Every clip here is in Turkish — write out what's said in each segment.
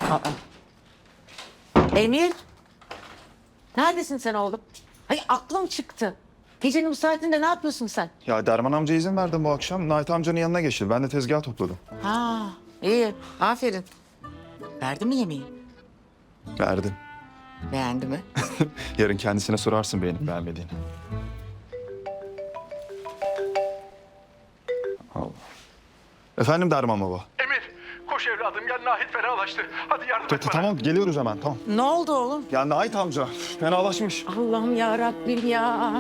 Aa. Emir. Neredesin sen oğlum? Ay aklım çıktı. Gecenin bu saatinde ne yapıyorsun sen? Ya Derman amca izin verdim bu akşam. Nait amcanın yanına geçti. Ben de tezgah topladım. Ha, iyi. Aferin. Verdi mi yemeği? Verdim. Beğendi mi? Yarın kendisine sorarsın beğenip beğenmediğini. Allah. Efendim Derman baba. Emir, koş evladım gel Nahit fenalaştı. Hadi yardım et bana. Tamam geliyoruz hemen tamam. Ne oldu oğlum? Ya Nait amca fenalaşmış. Allah'ım ya Rabbim ya.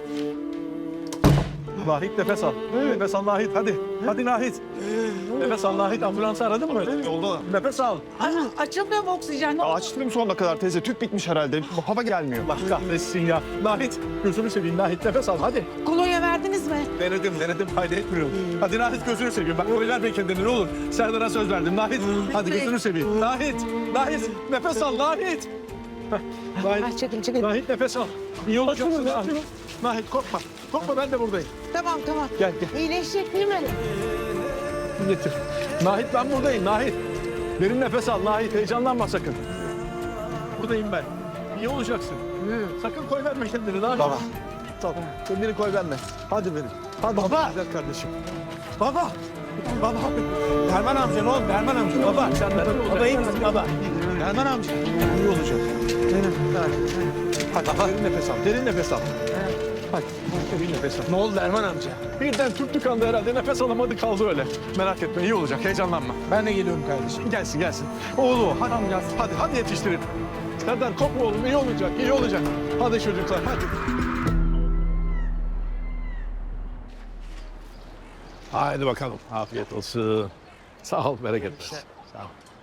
Nahit nefes al. Nefes al Nahit hadi. Hadi Nahit. Nefes al Nahit. Ambulansı aradın mı? Yolda. Nefes al. Açılmıyor mu oksijen? Açtım sonuna kadar teyze. Tüp bitmiş herhalde. Hava gelmiyor. Allah kahretsin ya. Nahit gözünü seveyim Nahit nefes al hadi. Kolonya verdiniz mi? Denedim fayda etmiyor. Hadi Nahit gözünü seveyim. Bak öyle verme kendini ne olur. Serdar'a söz verdim Nahit. Hadi gözünü seveyim. Nahit nefes al Nahit. Nahit, Çekil. Nahit nefes al. İyi olacaksın Nahit. Nahit korkma. Korkma ben de buradayım. Tamam. Gel. İyileşecek değil mi? Getir. Nahit ben buradayım Nahit. Derin nefes al Nahit. Heyecanlanma sakın. Buradayım ben. İyi olacaksın. Sakın koy verme kendini Nahit. Baba. Tamam. Kendini koy verme. Hadi benim. Hadi Baba. güzel kardeşim. Baba. Baba. Derman amca ne oldu? Derman amca. Baba. Baba iyi misin baba? Derman amca. İyi olacak. Hadi derin nefes al. Derin nefes al. Hadi derin nefes al. Ne oldu Derman amca? Birden Türk tıkandı herhalde. Nefes alamadı kaldı öyle. Merak etme iyi olacak. Heyecanlanma. Ben de geliyorum kardeşim. Gelsin. Oğlum hadi gelsin. Hadi yetiştirin. Serdar korkma oğlum. İyi olacak. Hadi çocuklar hadi. Haydi bakalım. Afiyet olsun. Sağ ol, bereket versin. Sağ ol.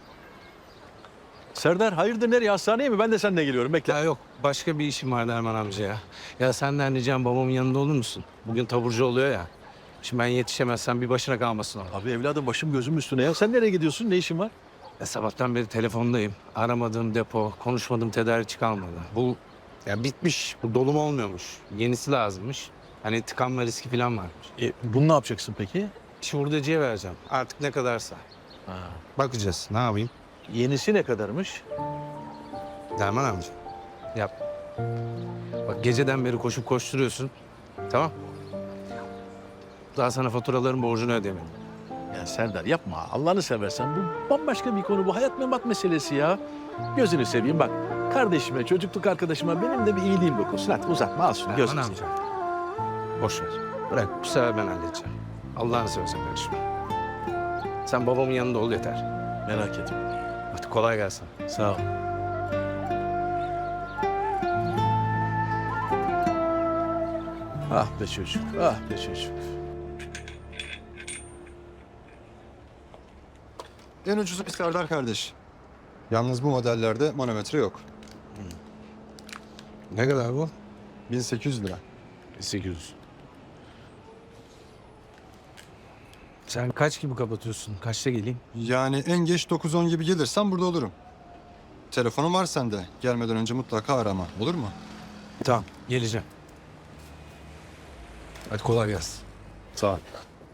Serdar hayırdır nereye? Hastaneye mi? Ben de seninle geliyorum. Bekle. Ya yok başka bir işim var Derman amca ya. Ya senden ricam babamın yanında olur musun? Bugün taburcu oluyor ya. Şimdi ben yetişemezsem bir başına kalmasın o. Abi evladım başım gözüm üstüne ya. Sen nereye gidiyorsun? Ne işin var? Ya sabahtan beri telefondayım. Aramadığım depo, konuşmadığım tedarikçi kalmadı. Bu ya bitmiş. Bu dolum olmuyormuş. Yenisi lazımmış. Hani tıkanma riski falan varmış. Bunu ne yapacaksın peki? İşi hurdacıya vereceğim. Artık ne kadarsa. Bakacağız. Ne yapayım? Yenisi ne kadarmış? Derman amca. Yap. Bak geceden beri koşup koşturuyorsun. Tamam. Daha sana faturaların borcunu ödemedim. Ya Serdar yapma. Allah'ını seversen bu bambaşka bir konu. Bu hayat memat meselesi ya. Gözünü seveyim bak. Kardeşime, çocukluk arkadaşıma benim de bir iyiliğim dokunsun. Hadi uzatma al şunu Derman gözünü amca. seveyim. Boş ver. Bırak bu sefer ben halledeceğim. Allah'ını seversen karışma. Sen babamın yanında ol yeter. Merak etme. Hadi kolay gelsin. Sağ ol. Ah be çocuk, ah be çocuk. En ucuzu bir Serdar kardeş. Yalnız bu modellerde manometre yok. Ne kadar bu? 1800 lira. 800. Sen kaç gibi kapatıyorsun? Kaçta geleyim? Yani en geç 9-10 gibi gelirsen burada olurum. Telefonun var sende. Gelmeden önce mutlaka arama. Olur mu? Tamam, geleceğim. Hadi kolay gelsin. Sağ ol.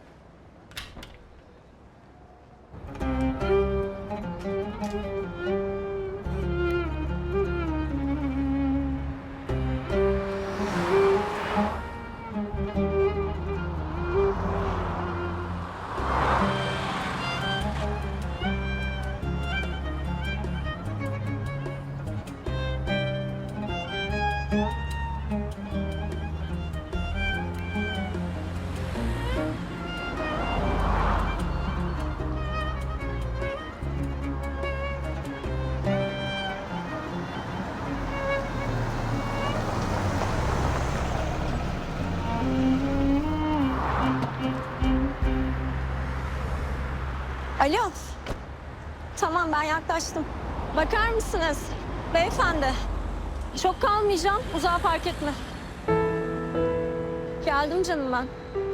Alo. Tamam ben yaklaştım. Bakar mısınız? Beyefendi. Çok kalmayacağım. Uzağa park etme. Geldim canım ben.